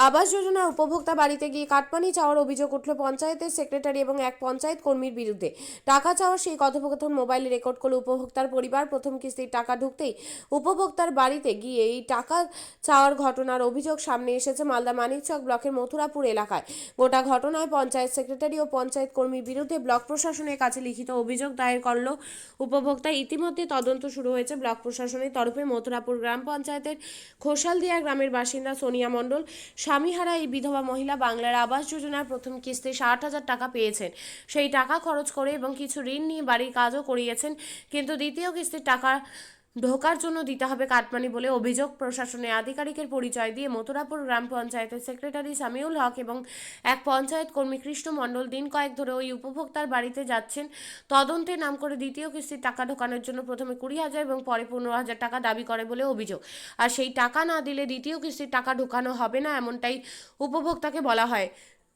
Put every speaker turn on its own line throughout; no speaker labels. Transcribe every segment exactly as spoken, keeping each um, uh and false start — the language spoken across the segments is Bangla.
আবাস যোজনা উপভোক্তা বাড়িতে গিয়ে কাটমানি চাওয়ার অভিযোগ উঠল পঞ্চায়েতের সেক্রেটারি এবং এক পঞ্চায়েত কর্মীর বিরুদ্ধে। টাকা চাওয়ার সেই কথোপকথন মোবাইলে রেকর্ড করল উপভোক্তার পরিবার। প্রথম কিস্তির টাকা ঢুকতেই উপভোক্তার বাড়িতে গিয়ে এই টাকা চাওয়ার ঘটনার অভিযোগ সামনে এসেছে মালদা মানিকচক ব্লকের মথুরাপুর এলাকায়। গোটা ঘটনায় পঞ্চায়েত সেক্রেটারি ও পঞ্চায়েত কর্মীর বিরুদ্ধে ব্লক প্রশাসনের কাছে লিখিত অভিযোগ দায়ের করল উপভোক্তা। ইতিমধ্যে তদন্ত শুরু হয়েছে ব্লক প্রশাসনের তরফে। মথুরাপুর গ্রাম পঞ্চায়েতের খোসালদিয়া গ্রামের বাসিন্দা সোনিয়া মণ্ডল স্বামীহারা এই বিধবা মহিলা বাংলার আবাস যোজনার প্রথম কিস্তি ষাট হাজার টাকা পেয়েছেন। সেই টাকা খরচ করে এবং কিছু ঋণ নিয়ে বাড়ির কাজও করিয়েছেন, কিন্তু দ্বিতীয় কিস্তির টাকা ঢোকার জন্য দিতে হবে কাটমানি বলে অভিযোগ। প্রশাসনের আধিকারিকের পরিচয় দিয়ে মথুরাপুর গ্রাম পঞ্চায়েতের সেক্রেটারি সামিউল হক এবং এক পঞ্চায়েত কর্মী কৃষ্ণ মণ্ডল দিন কয়েক ধরে ওই উপভোক্তার বাড়িতে যাচ্ছেন। তদন্তের নাম করে দ্বিতীয় কিস্তির টাকা ঢোকানোর জন্য প্রথমে কুড়ি হাজার এবং পরে পনেরো হাজার টাকা দাবি করে বলে অভিযোগ। আর সেই টাকা না দিলে দ্বিতীয় কিস্তির টাকা ঢোকানো হবে না, এমনটাই উপভোক্তাকে বলা হয়।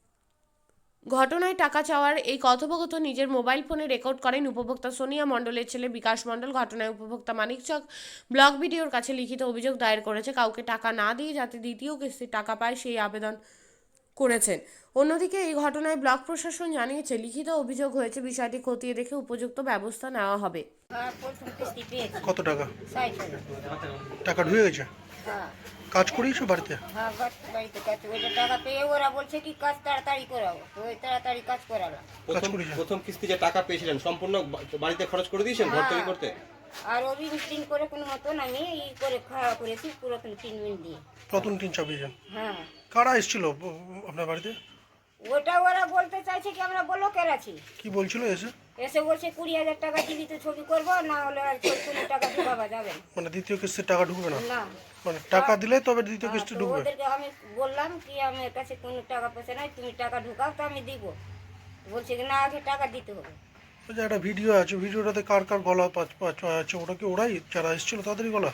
ঘটনায় টাকা চাওয়ার এই কথোপকথন নিজের মোবাইল ফোনে রেকর্ড করেন উপভোক্তা সোনিয়া মণ্ডলের ছেলে বিকাশ মণ্ডল। ঘটনায় উপভোক্তা মানিকচক ব্লক বিডিওর কাছে লিখিত অভিযোগ দায়ের করেছে। কাউকে টাকা না দিয়ে যাতে দ্বিতীয় কিস্তির টাকা পায় সেই আবেদন করেছেন। অন্যদিকে এই ঘটনায় ব্লক প্রশাসন জানিয়েছে লিখিত অভিযোগ হয়েছে, বিষয়টি খতিয়ে দেখে উপযুক্ত ব্যবস্থা নেওয়া হবে।
হ্যাঁ, প্রথম কিস্তি পেয়েছি
কত টাকা?
ষাট হাজার।
টাকা ঢুকে গেছে?
হ্যাঁ
কাজ করিয়েছো বাড়িতে?
হ্যাঁ, বাড়ি- বাড়িতে কাজ ওইটা টাকা পেয়ে ওরা বলছে কি কাজ তাড়াতাড়ি করাবো, তো ওই তাড়াতাড়ি কাজ করালাম।
প্রথম
করেছেন?
প্রথম কিস্তি যে টাকা পেয়েছিলেন সম্পূর্ণ বা- বাড়িতে খরচ করে দিয়েছেন ঘর তৈরি করতে?
আর ও ঋণ টিন করে কোনো মতন আমি ই করে খাওয়া করেছি পুরাতন টিন মিন দিয়ে।
প্রথম তিন চাপিয়েছেন?
হ্যাঁ,
কারা এসেছিল ব- আপনার বাড়িতে?
ওটা ওরা বলতে চাইছে কি আমরা ব্লকের আছি,
কি বলছিল এসে?
এসে বলছে কুড়ি হাজার টাকা দিবি তো ছবি করবো, না হলে আর কোনো টাকা ঢুকাবা যাবে না।
মানে দ্বিতীয় কিস্তির টাকা ঢুকবে না?
না,
মানে টাকা দিলে তবে দ্বিতীয়
হ্যাঁ,
কিস্তি
তো
ঢুকবে?
ওদেরকে আমি বললাম কি আমার কাছে কোনো টাকা পয়সা নাই, তুমি টাকা ঢুকাও তো আমি দিব। বলছে কি না আগে টাকা দিতে হবে।
ওই যে একটা ভিডিও আছে, ভিডিওটাতে কার কার গলা পাচ পাচ আছে, ওটা কি ওরাই যারা এসেছিল তাদেরই গলা?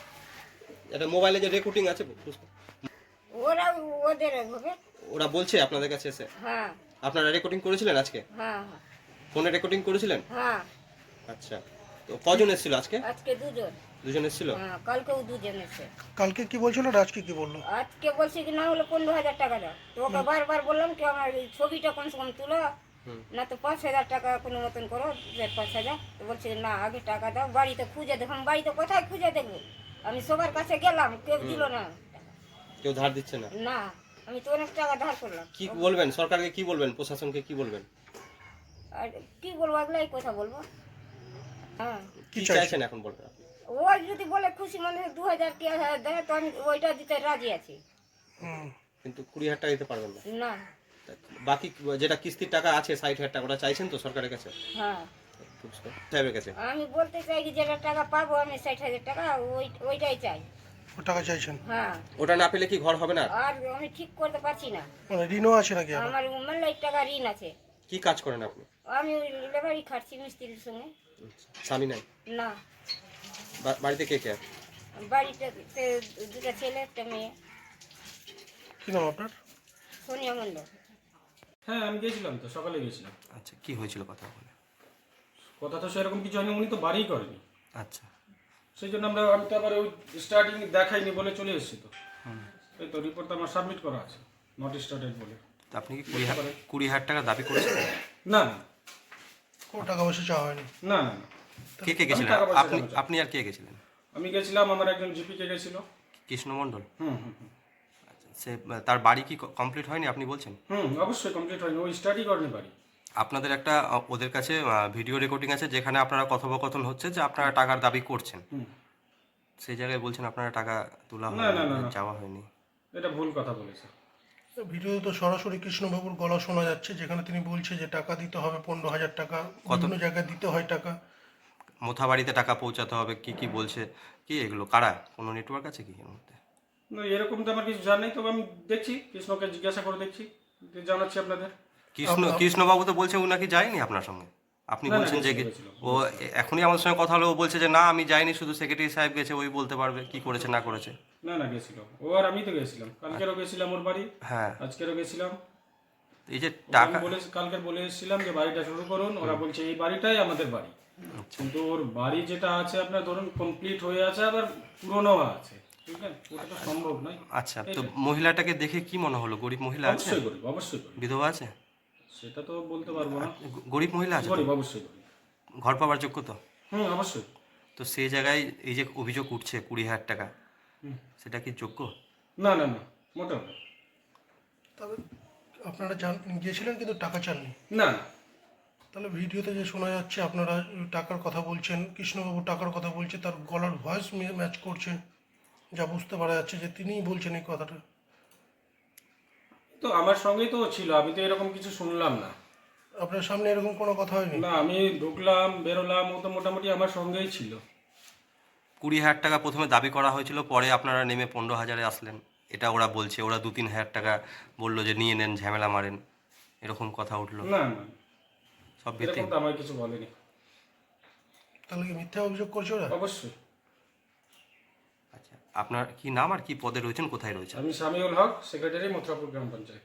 এটা মোবাইলে যে রেকর্ডিং আছে বুঝতে-
ওরা ওদের হবে।
ওরা বলছে আপনাদের কাছে এসে?
হ্যাঁ
আপনারা রেকর্ডিং করেছিলেন আজকে?
হ্যাঁ
ফোনে রেকর্ডিং করেছিলেন?
হ্যাঁ,
আচ্ছা, তো কজন এসেছিল আজকে?
আজকে দুজন।
দুজন এসেছিল?
হ্যাঁ, কালকেও দুজন এসে।
কালকে কি বলছিল আর আজকে কি বললো?
আজকে বলছে কি না হলে পনেরো হাজার টাকা দাও, তো ওকে বারবার বললাম কি আমার এই ছবিটা কমসে কম তুলো, না তো পাঁচ হাজার টাকা কোনো মতন করো, দেড় পাঁচ হাজার। তো বলছে না আগে টাকা দাও, বাড়িতে খুঁজে দেখো। আমি বাড়িতে কোথায় খুঁজে দেখবো? আমি সবার কাছে গেলাম, কেউ দিল না।
কেউ ধার দিচ্ছে না?
না, আমি তো অনেক টাকা ধার করলাম।
কি বলবেন সরকারকে, কি বলবেন প্রশাসনকে, কি বলবেন?
আর কি বলবো, এগুলাই কথা বলবো। হ্যাঁ,
কি
চাইছেন?
চাইছেন এখন বলবেন?
ওই যদি বলে খুশি মনে দু হাজার তিন হাজার দেয় তো আমি ওইটা দিতে রাজি আছি।
হুম।
কিন্তু কুড়ি হাজার টাকা দিতে পারবেন না?
না।
তা বাকি যেটা কিস্তির টাকা আছে ষাট হাজার টাকা, ওটা চাইছেন তো সরকারের কাছে,
হ্যাঁ,
সাহেবের কাছে?
আমি বলতে চাই কি যেটা টাকা পাবো আমি ষাট হাজার টাকা ওই ওইটাই চাই।
ও টাকা চাইছেন?
হ্যাঁ,
ওটা না পেলে কি ঘর হবে না?
আর আমি ঠিক করতে পারছি না।
মানে ঋণও আছে নাকি? আবার?
আমার মেলায় টাকা ঋণ আছে।
কি কাজ করেন আপনি?
আমি ওই লেবারি খাটছি মিস্ত্রির সঙ্গে।
স্বামী নাই?
না,
বা- বাড়িতে কে কে আছে?
বাড়িতে দুটা ছেলে একটা মেয়ে।
কি নাম আপনার?
সোনিয়া মণ্ডল।
হ্যাঁ, আমি গেছিলাম তো, সকালে গেছিলাম।
আচ্ছা, কি হয়েছিল কথা বলে?
কথা তো সেরকম কিছু হয়নি, উনি তো বাড়িই করেনি।
আচ্ছা,
সেই জন্য আমরা আমি তো আবার ওই স্টার্টিং দেখাইনি বলে চলে এসেছি তো। এই তো রিপোর্ট আমার সাবমিট করা আছে, নট স্টার্টেড বলে।
তো আপনি কি কুড়ি হাজার কুড়ি হাজার টাকা দাবি করেছিলেন?
না না
কোনো টাকা পয়সা চাওয়া হয়নি?
না না না।
কে কে গেছিলেন?
টাকা পয়সা
আপনি
চাইছি।
আপনি আর কে গেছিলেন?
আমি গেছিলাম, আমার একজন জিপিকে গেছিল।
কৃষ্ণমণ্ডল?
হুম হুম হুম
আচ্ছা, সে তার বাড়ি কি কমপ্লিট হয়নি আপনি বলছেন?
হুম অবশ্যই কমপ্লিট হয়নি, ওই স্টার্টই করেনি বাড়ি।
আপনাদের একটা আ, ওদের কাছে ভিডিও রেকর্ডিং আছে যেখানে আপনারা কথোপকথন হচ্ছে যে আপনারা টাকার দাবি করছেন,
হুম,
সেই জায়গায় বলছেন আপনারা টাকা তোলা
না, না, না,
হয়নি,
না।
চাওয়া হয়নি।
এটা ভুল কথা বলেছে।
ভিডিওতে তো সরাসরি কৃষ্ণবাবুর গলা শোনা যাচ্ছে, যেখানে তিনি বলছে যে টাকা দিতে হবে পনেরো হাজার টাকা, বিভিন্ন জায়গায় দিতে হয় টাকা।
মোথা বাড়িতে টাকা পৌঁছাতে হবে, কি কি বলছে, কি এগুলো কারা? কোনো নেটওয়ার্ক আছে কি এর মধ্যে?
না, এরকম তো আমার কিছু জানাই, তবে আমি দেখছি, কৃষ্ণকে জিজ্ঞাসা করে দেখছি, দিয়ে জানাচ্ছি আপনাদের।
কৃষ্ণ কৃষ্ণবাবু তো বলছে ও নাকি যায়নি আপনার সঙ্গে। আপনি
না, না,
বলছেন যে
গেছিল, গেছিল।
ও এখনই আমার সঙ্গে কথা হলো, ও বলছে যে না আমি যাইনি, শুধু সেক্রেটারি সাহেব গেছে, ওই বলতে পারবে কি করেছে না করেছে।
না না গেছিল ও, আর আমি তো গেছিলাম, কালকেরও গেছিলাম ওর বাড়ি,
হ্যাঁ,
আজকেরও গেছিলাম।
এই যে
আমি
টাকা,
বলে কালকের বলে এসেছিলাম যে বাড়িটা শুরু করুন, ওরা বলছে এই বাড়িটাই আমাদের বাড়ি। কিন্তু ওর বাড়ি যেটা আছে আপনার ধরুন কমপ্লিট হয়ে আছে, আবার পুরনো আছে, ঠিক আছে, ওটা তো সম্ভব নয়।
আচ্ছা, তো মহিলাটাকে দেখে কি মনে হলো? গরিব মহিলা আছে?
অবশ্যই গরিব, অবশ্যই গরিব,
বিধবা আছে?
সেটা তো বলতে পারবো না।
গ- গরিব মহিলা আছে তো?
গরিব, অবশ্যই গরিব।
ঘর পাওয়ার যোগ্য তো?
হুম, অবশ্যই।
তো সেই জায়গায় এই যে অভিযোগ উঠছে কুড়ি হাজার টাকা,
হুম।
সেটা কি যোগ্য?
না না না, মোটেও না।
তবে আপনারা জান গিয়েছিলেন কিন্তু টাকা চাননি।
না না,
তাহলে ভিডিওতে যে শোনা যাচ্ছে আপনারা টাকার কথা বলছেন, কৃষ্ণবাবু টাকার কথা বলছে, তার গলার ভয়েস ম্যাচ করছে, যা বুঝতে পারা যাচ্ছে যে তিনিই বলছেন এই কথাটা।
তো আমার সঙ্গেই তো ছিল, আমি তো এরকম কিছু শুনলাম না।
আপনার সামনে এরকম কোনো কথা হয়নি?
না, আমি ঢুকলাম বেরোলাম, ও তো মোটামুটি আমার সঙ্গেই ছিল।
কুড়ি হাজার টাকা প্রথমে দাবি করা হয়েছিল, পরে আপনারা নেমে পনেরো হাজারে আসলেন, এটা ওরা বলছে। ওরা দু তিন হাজার টাকা বললো যে নিয়ে নেন, ঝামেলা মারেন, এরকম কথা উঠলো।
না না,
সব ভিত্তি।
এরকম তো আমার কিছু বলেনি।
তাহলে কি মিথ্যা অভিযোগ করছে ওরা?
অবশ্যই।
আচ্ছা, আপনার কি নাম আর কি পদে রয়েছেন, কোথায় রয়েছেন?
আমি সামিউল হক, সেক্রেটারি, মথুরাপুর গ্রাম পঞ্চায়েত।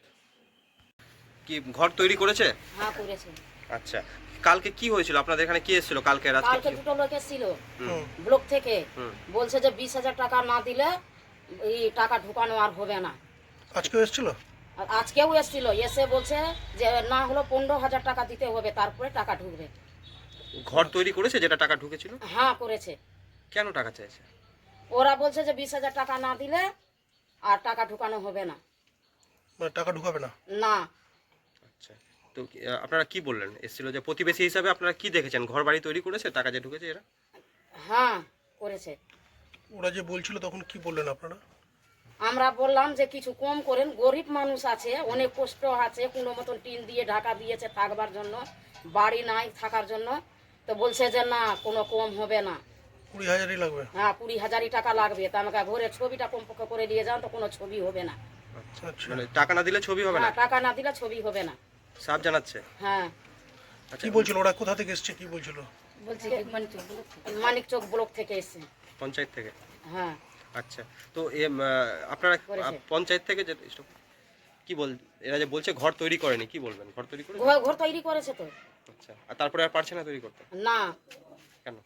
কি ঘর তৈরি করেছে?
হ্যাঁ করেছে।
আচ্ছা, কালকে কি হয়েছিল আপনাদের এখানে? কি এসেছিল কালকে রাতে?
কালকে দুটো লোক এসেছিল
হুম।
ব্লক থেকে,
হুম।
বলছে যে বিশ হাজার টাকা না দিলে এই টাকা ঢুকানো আর হবে না।
আজকেও এসেছিল?
আর আজকেও এসেছিল, এসে বলছে যে না হলো পনেরো হাজার টাকা দিতে হবে, তারপরে টাকা ঢুকবে।
ঘর তৈরি করেছে যেটা টাকা ঢুকেছিল?
হ্যাঁ করেছে।
কেন টাকা চাইছে?
ওরা বলছে যে বিশ হাজার টাকা না দিলে আর টাকা ঢুকানো হবে না।
মানে টাকা ঢুকাবে না?
না,
আচ্ছা, তো কি- আহ, আপনারা কি বললেন? এসেছিল যে প্রতিবেশী হিসাবে আপনারা কি দেখেছেন? ঘর বাড়ি তৈরি করেছে, টাকা যে ঢুকেছে এরা?
হ্যাঁ করেছে।
ওরা যে বলছিল তখন কি বললেন আপনারা?
আমরা বললাম যে কিছু কম করেন, গরিব মানুষ আছে, অনেক কষ্ট আছে, কোনো মতন টিন দিয়ে ঢাকা দিয়েছে থাকবার জন্য, বাড়ি নাই থাকার জন্য। তো বলছে যে না কোনো কম হবে না,
কুড়ি হাজারই লাগবে?
হ্যাঁ কুড়ি হাজারই টাকা লাগবে। তা আমাকে ভোরে ছবিটা কমপক্ষে করে দিয়ে যান, তো কোনো ছবি হবে না।
আচ্ছা,
মানে টাকা না দিলে ছবি হবে না,
হ্যাঁ টাকা না দিলে ছবি হবে না।
সাফ জানাচ্ছে।
হ্যাঁ
কি বলছিল ওরা? কোথা থেকে এসছে কি বলছিল?
বলছি মানিক চক ব্লক থেকে এসছে।
পঞ্চায়েত থেকে?
হ্যাঁ
আচ্ছা, তো এম, আহ, আপনারা
করেছে।
আহ, পঞ্চায়েত থেকে যে stop, কি বল, এরা যে বলছে ঘর তৈরি করেনি, কি বলবেন? ঘর তৈরি করে?
ঘর ঘর তৈরি করেছে তো।
আচ্ছা, আর তারপরে আর পারছে না তৈরি করতে?
না
কেন?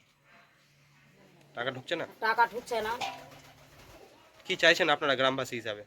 টাকা ঢুকছে না?
টাকা ঢুকছে না।
কি চাইছেন আপনারা গ্রামবাসী হিসাবে?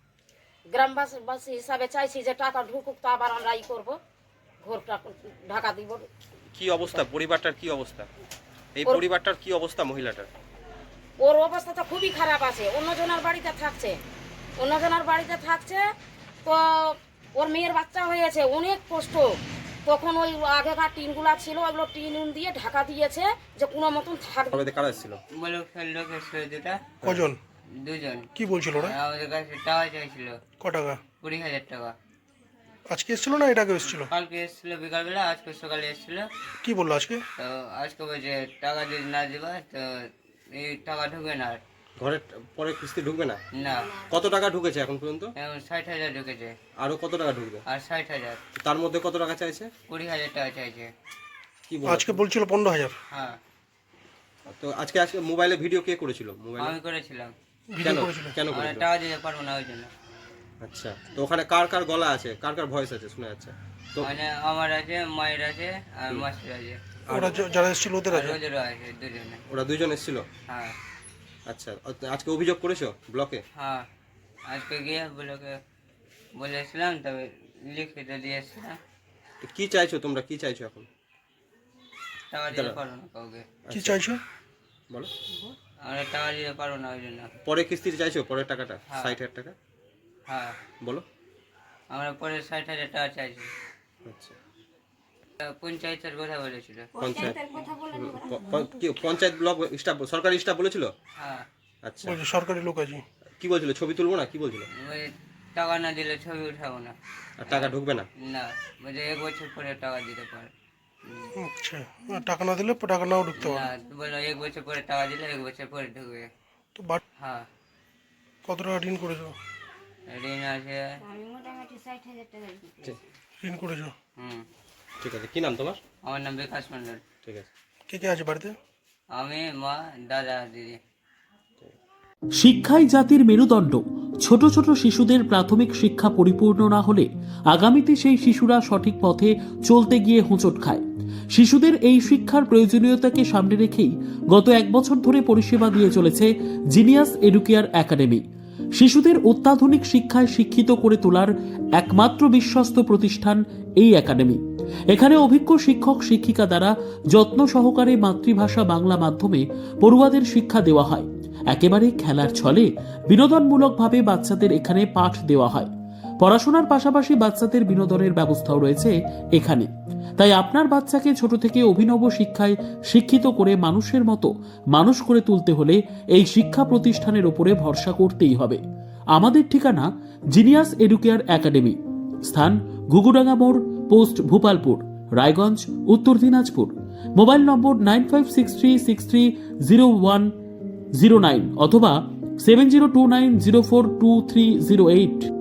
গ্রামবাসী হিসাবে চাইছি যে টাকা ঢুকুক, তো আবার আমরা ই করবো, ঘরটা ঢাকা দিব।
কি অবস্থা পরিবারটার? কি অবস্থা এই
ওর-
পরিবারটার? কি অবস্থা মহিলাটার?
ওর অবস্থা তো খুবই খারাপ আছে, অন্যজনের বাড়িতে থাকছে, অন্যজনের বাড়িতে থাকছে। তো ওর মেয়ের বাচ্চা হয়েছে, অনেক কষ্ট। তখন ওই আগেকার টিনগুলা ছিল, ওইগুলো টিন উন দিয়ে ঢাকা দিয়েছে যে কোনো মতন থাকবে।
কবে কারা এসেছিল?
বলো লোক এসেছিল দুটা,
কজন?
দুজন।
কি বলছিল ওরা?
আমাদের কাছে টাকা চাইছিল
ক টাকা?
কুড়ি হাজার টাকা।
আজকে এসেছিল না এটাকে এসেছিল?
কালকে এসেছিল বিকালবেলা, আজকে সকালে এসেছিল।
কি বললো আজকে?
তো আজকে বলছে টাকা যদি না দিবা তো এই টাকা ঢুকবে না আর।
ঘরের পরে কিস্তি ঢুকবে না?
না,
কত টাকা ঢুকেছে এখন পর্যন্ত?
এখন ষাট হাজার ঢুকেছে
আরো কত টাকা ঢুকবে?
আর ষাট হাজার,
তার মধ্যে কত টাকা চাইছে?
কুড়ি হাজার টাকা চাইছে।
কি বল?
আজকে বলছিল পনেরো হাজার।
হ্যাঁ
তো আজকে আজকে মোবাইলে ভিডিও কে করেছিল? মোবাইলে
আমি করেছিলাম,
ভিডিও করেছিল?
কেন
আমরা
করেছিল?
টাকা দিতে পারবো না ওই জন্য।
আচ্ছা, তো ওখানে কার কার গলা আছে, কার কার ভয়েস আছে শোনা যাচ্ছে? তো
মানে আমার আছে, মায়ের আছে আর মাসির আছে,
ওরা যে- যারা এসেছিল ওদের
আর
আছে?
ওদেরও আছে, দুজনে।
ওরা দুইজন এসেছিল?
হ্যাঁ
আচ্ছা, আজকে অভিযোগ করেছো ব্লকে?
হ্যাঁ আজকে গিয়ে বলোকে বলেছিলাম, তবে লিখিত দিয়েছিলাম।
তো কি চাইছো তোমরা? কি চাইছো এখন?
টাকা দিতে পারবো না কাউকে,
কি চাইছো?
বলো।
আমরা টাকা দিতে পারবো না ওই জন্য।
পরে কিস্তিতে চাইছো? পরের টাকাটা
হ্যাঁ।
ষাট হাজার টাকা?
হ্যাঁ
বলো।
আমরা পরে ষাট হাজার টাকা চাইছি।
আচ্ছা,
তা পঞ্চায়েতের কথা বলেছিল।
পঞ্চায়েত প- প- কি পঞ্চায়েত ব্লক স্টাফ, সরকারি স্টাফ বলেছিল?
হ্যাঁ
আচ্ছা,
বলছে সরকারি লোক আছে।
কি বলছিল? ছবি তুলবো না কি বলছিল?
ওই টাকা না দিলে ছবি উঠাবো না।
আর টাকা ঢুকবে না?
না, বলছে এক বছর পরে টাকা দিতে পারে।
আচ্ছা, টাকা না দিলে টাকা নাও ঢুকতে
না,
পারে।
বললো এক বছর পরে টাকা দিলে এক বছর পরে ঢুকবে।
তো বাট
হ্যাঁ
কত টাকা ঋণ করেছো?
ঋণ আছে।
আমি মোটামুটি ষাট হাজার টাকা দিতে
ঋণ করেছো?
হুম,
ঠিক আছে, কি নাম তোমার?
আমার নাম বিকাশ মন্ডল।
ঠিক আছে।
কে কে আছে বাড়িতে?
আমি, মা, দাদা, দিদি।
শিক্ষাই জাতির মেরুদণ্ড। ছোট ছোট শিশুদের প্রাথমিক শিক্ষা পরিপূর্ণ না হলে আগামীতে সেই শিশুরা সঠিক পথে চলতে গিয়ে হোঁচট খায়। শিশুদের এই শিক্ষার প্রয়োজনীয়তাকে সামনে রেখেই গত এক বছর ধরে পরিষেবা দিয়ে চলেছে জিনিয়াস এডুকেয়ার একাডেমি। শিশুদের অত্যাধুনিক শিক্ষায় শিক্ষিত করে তোলার একমাত্র বিশ্বস্ত প্রতিষ্ঠান এই একাডেমি। এখানে অভিজ্ঞ শিক্ষক শিক্ষিকা দ্বারা যত্ন সহকারে মাতৃভাষা বাংলা মাধ্যমে পড়ুয়াদের শিক্ষা দেওয়া হয়। একেবারে খেলার ছলে বিনোদনমূলকভাবে বাচ্চাদের এখানে পাঠ দেওয়া হয়। পড়াশোনার পাশাপাশি বাচ্চাদের বিনোদনের ব্যবস্থাও রয়েছে এখানে। তাই আপনার বাচ্চাকে ছোট থেকে অভিনব শিক্ষায় শিক্ষিত করে মানুষের মতো মানুষ করে তুলতে হলে এই শিক্ষা প্রতিষ্ঠানের উপরে ভরসা করতেই হবে। আমাদের ঠিকানা জিনিয়াস এডুকেয়ার একাডেমি, স্থান ঘুঘুডাঙ্গা মোড়, post Bhupalpur, Raiganj, Uttar Dinajpur. Mobile number nine five six three six three zero one zero nine অথবা seven zero two nine zero four two three zero eight.